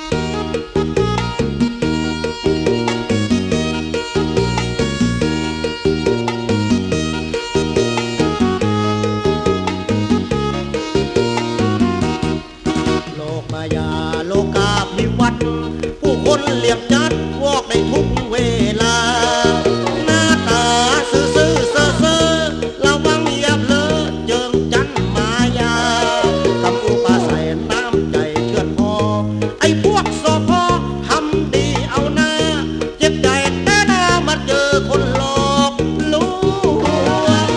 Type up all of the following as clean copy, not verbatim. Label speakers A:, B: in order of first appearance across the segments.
A: โลกมายาโลกาภิวัตน์ผู้คนเหลี่ยมจัดวอกในทุกเวลาหน้าตาซื่อเซ่อระวังอย่าเผลอเจิงจันมายาคำอุปาใส่น้ำใจเชื่อนพอไอ้พวกสอพอทำดีเอาหน้าเจ็บใจแต่หน้ามาเจอคนหลอกลวง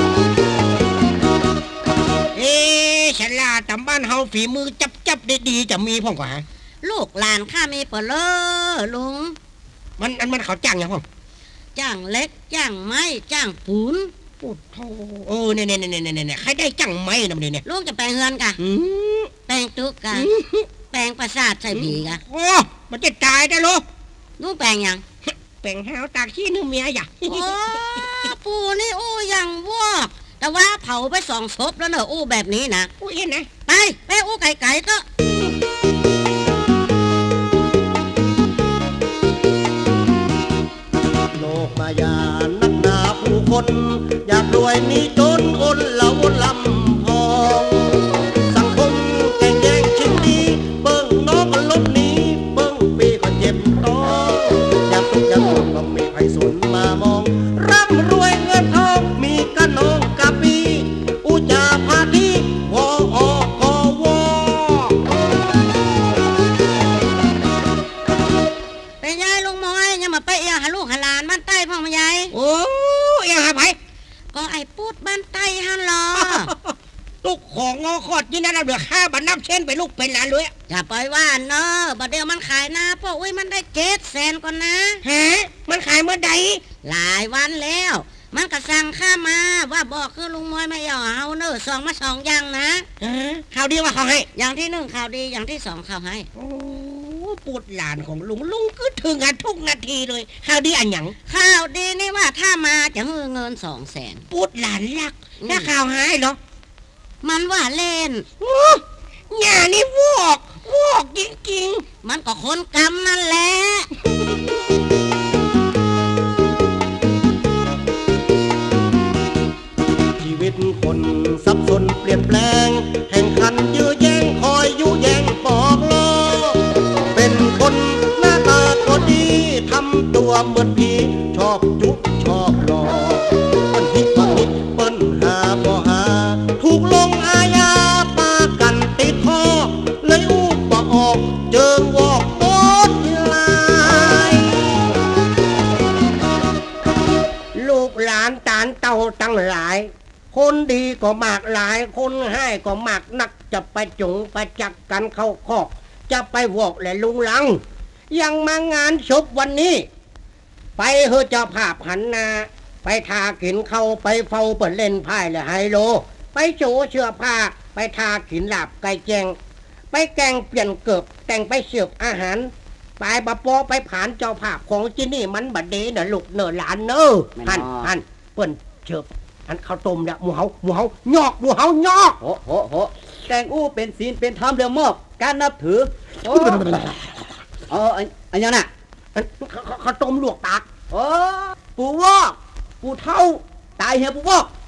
B: ฉลาดตำบ้านเฮาฝีมือจับได้ดีจะมีพ่องกว่าฮะ
C: ลูกหลานข้ามีเปลอลุง
B: มันเขาจ้างยังพ่อง
C: จ้างเล็กจ้างไม้จ้างปูน
B: โอ้โธ่เนี่ยใครได้จ้างไม้นำเนี่ย
C: ลูกจะแปลงเฮือนกะแปลงตุกกะแปลงประสาทใส่ผีกะ
B: โอ้มันจะตายได้ลูก
C: ลูกแปลงยัง
B: แปลงห้าวตากขี้นึงเมียอย่า
C: โอ้ปูนี่โอ้ยังวอกแต่ว่าเผาไป2 ศพแล้วเนอะอู้แบบนี้นะ
B: อู้เห็นนะ
C: ไปอู้ไก่ก็
A: โลกมายานักหนาผู้คนอยากรวยมีจนอนละวนลำพองสังคมแก่งแย่งชิงดีเบิ่งน้องก็ลบหนีเบิ่งปีก็เจ็บต้องอยากทุกข์อยากจนก็มีไผสนมามองร่ำรวยเงินทองมีกันน้องกะปีอุจาพาทีวออคอวอ
C: ไปยายลุงมอยยังมาไปเอียหาลูกหาหลานบ้านใต้พ่อมายาย
B: โอ้เอียหาไผ
C: ก็ไอ้พูดบ้านใต้ฮันหรอ
B: ลูกของงอขอดยี่นั่นเราเหลือค่าบันนับเช่นไปลูกเป็นหลานเลย
C: อย่าปล่อยว่าเนอะบัดเดียวมันขายหน้าพ่ออุ้ยมันได้700,000ก่อนนะ
B: ฮะมันขายเมื่อใด
C: หลายวันแล้วมันก็สั่งข้ามาว่าบอกคือลุงมอยไม่ยอมเอาเนอะ2 มา2อย่างนะ
B: ข่าวดีว่าเขาให้
C: อย่างที่1ข่าวดีอย่างที่2ข่าวให้
B: โอ้ปูดหลานของลุงก็ถึงกันทุกนาทีเลยข่าวดีอันหยัง
C: ข่าวดีนี่ว่าถ้ามาจะให้เงิน200,000
B: ปูดหลานรักถ้าข่าวหายเหรอ
C: มันว่าเล่น
B: หย่านี่วอกจริง
C: ๆมันก็คนกำนั่นแหละ
A: ชีวิตคนสับสนเปลี่ยนแปลงแห่งขันยื้อแย่งคอยยุแย่งปอกล้อเป็นคนหน้าตาก็ดีทำตัวเหมือนผีชอบจุ๊บชอบหลอกเปิ้นฮิตว่าฮิตเปิ้นหาบ่หาถูกลงอาญาปากันติดคอเลยอู้บ่ออกเจิงวอกโต๊ดลาย
B: ลูกหลานตานเต่าตั้งหลายคนดีก็มากหลายคนให้ก็มากนักจะไปจุงไปจักกันเข้าคอกจะไปวอกและลุงลังยังมางานศพวันนี้ไปเฮอเจ้าภาพหันนาไปทากินเข้าไปเฝ้าเปิดเล่นไพ่และไฮโลไปโจเสื้อผ้าไปทากินหลับไก่แจงไปแกงเปลี่ยนเกือบแต่งไปเสิร์ฟอาหารไปบะปอไปผ่านเจ้าภาพของที่นี่มันบัดเดน่ะลูกเนอหลานเนอหันเปิ้นเชิบอันข้าวต้มเนี่ยหมูเฮายอกโห
A: แต่งอู้เป็นศีลเป็นธรรมเรื่องมอบการนับถืออันยังน่ะ
B: ข้าวต้มลวกปาก
A: ปูวอกปูเท่าตายเหี่ยปูวอก